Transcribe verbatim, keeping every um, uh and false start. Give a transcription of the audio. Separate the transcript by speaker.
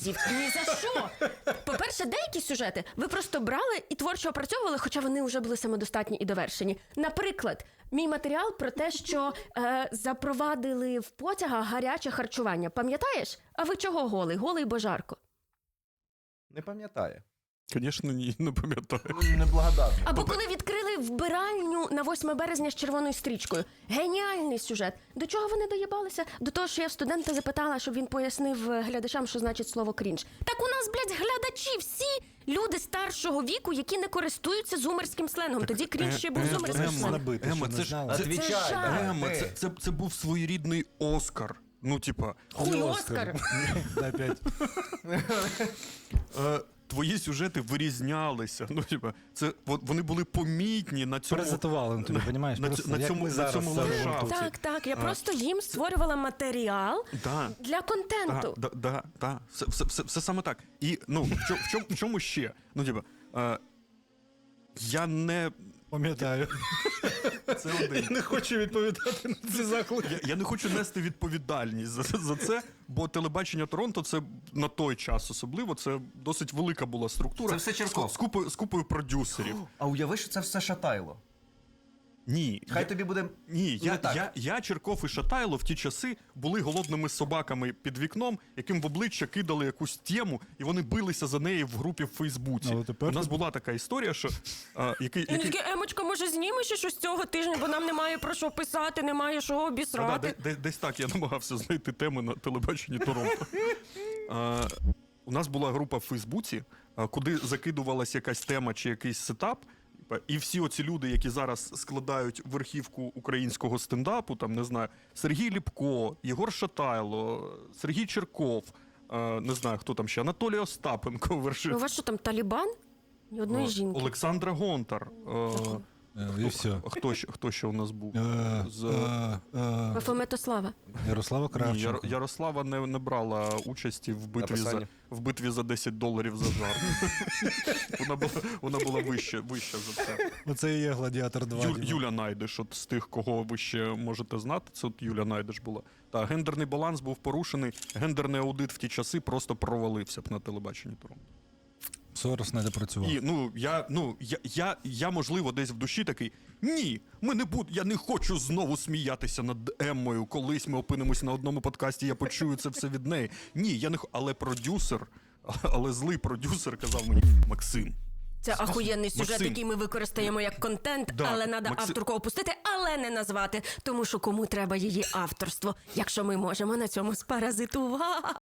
Speaker 1: разів. Ні за що. По-перше, деякі сюжети ви просто брали і творчо опрацьовували, хоча вони вже були самодостатні і довершені. Наприклад, мій матеріал про те, що е, запровадили в потягах гаряче харчування. Пам'ятаєш? А ви чого голий? Голий бо жарко.
Speaker 2: Не пам'ятає.
Speaker 3: Звісно, ні, не пам'ятаю.
Speaker 2: Неблагодарний.
Speaker 1: Або коли відкрили вбиральню на восьме березня з червоною стрічкою. Геніальний сюжет. До чого вони доїбалися? До того, що я в студента запитала, щоб він пояснив глядачам, що значить слово крінж. Так у нас, блядь, глядачі всі люди старшого віку, які не користуються зумерським сленгом. Тоді крінж ще був зумерським
Speaker 3: Ема,
Speaker 1: сленгом.
Speaker 3: Ема, це ж це,
Speaker 2: Отвічай,
Speaker 1: Це
Speaker 2: давай,
Speaker 3: Ема,
Speaker 2: ти.
Speaker 3: це, це, це був своєрідний Оскар. Ну, типа,
Speaker 1: Хуй Оскар.
Speaker 4: Дай п'ять.
Speaker 3: е, твої сюжети вирізнялися. Ну, типа, це от вони були помітні на цьому.
Speaker 4: Паразитували на тобі, розумієш?
Speaker 3: на,
Speaker 4: Просто
Speaker 3: на
Speaker 4: як
Speaker 3: цьому,
Speaker 4: ми
Speaker 3: на
Speaker 4: зараз
Speaker 3: цьому
Speaker 4: це робимо
Speaker 3: ландшафті.
Speaker 4: тут.
Speaker 1: Так, так. Я
Speaker 3: А,
Speaker 1: просто їм створювала матеріал
Speaker 3: Да.
Speaker 1: для контенту.
Speaker 3: Да, да, да, да. Все, все, все, все саме так. І, ну, в чому, в чому, в чому ще? Ну, типа, е, я не...
Speaker 4: Пам'ятаю.
Speaker 3: Це один.
Speaker 4: Не хочу відповідати на ці заклики.
Speaker 3: Я, я не хочу нести відповідальність за, за це, бо телебачення Торонто, це на той час особливо, це досить велика була структура.
Speaker 2: Це все Черков.
Speaker 3: З, з, купою, з купою продюсерів.
Speaker 2: А уяви, що це все Шатайло.
Speaker 3: Ні.
Speaker 2: Хай
Speaker 3: я,
Speaker 2: тобі буде
Speaker 3: ні, я,
Speaker 2: не так.
Speaker 3: я, я, Черков і Шатайло в ті часи були голодними собаками під вікном, яким в обличчя кидали якусь тему, і вони билися за неї в групі в Фейсбуці.
Speaker 4: Але тепер
Speaker 3: У нас
Speaker 4: ти-
Speaker 3: була така історія, що а, який,
Speaker 1: Він
Speaker 3: який...
Speaker 1: такий, Емочка, може знімеш ще щось цього тижня, бо нам немає про що писати, немає що
Speaker 3: Та-да,
Speaker 1: обісрати.
Speaker 3: де- де- десь так я намагався знайти теми на телебаченні Торонто. А, у нас була група в Фейсбуці, а, куди закидувалася якась тема чи якийсь сетап. І всі оці люди, які зараз складають верхівку українського стендапу, там, не знаю, Сергій Ліпко, Єгор Шатайло, Сергій Черков, а, не знаю, хто там ще, Анатолій Остапенко
Speaker 1: У
Speaker 3: вершив,
Speaker 1: вас що там, Талібан? Ні одної
Speaker 3: а,
Speaker 1: жінки.
Speaker 3: Олександра Гонтар. а,
Speaker 4: І все.
Speaker 3: Хто ще, хто ще у нас був?
Speaker 4: Е,
Speaker 3: З...
Speaker 4: е, е,
Speaker 1: Бафометослава.
Speaker 4: Ярослава
Speaker 3: Ні,
Speaker 4: Кравченко.
Speaker 3: Яр- Ярослава не, не брала участі в битві, за,
Speaker 2: Написання.
Speaker 3: в битві за десять доларів за жарт. вона була, вона була вища, вища за це.
Speaker 4: Оце і є Гладіатор два.
Speaker 3: Ю,
Speaker 4: Діма.
Speaker 3: Юля Найдеш, от з тих, кого ви ще можете знати, це от Юля Найдеш була. Та гендерний баланс був порушений, гендерний аудит в ті часи просто провалився б на телебаченні Торонто.
Speaker 4: Сорос не допрацював.
Speaker 3: І ну я ну я, я, я можливо десь в душі такий. Ні, ми не буд, я не хочу знову сміятися над Еммою. Колись ми опинимося на одному подкасті, я почую це все від неї. Ні, я не х- але продюсер, але злий продюсер казав мені: Максим.
Speaker 1: Це ахуєнний сюжет,
Speaker 3: Максим.
Speaker 1: який ми використаємо як контент,
Speaker 3: Да,
Speaker 1: але треба
Speaker 3: Максим.
Speaker 1: авторку опустити, але не назвати, тому що кому треба її авторство, якщо ми можемо на цьому спаразитувати.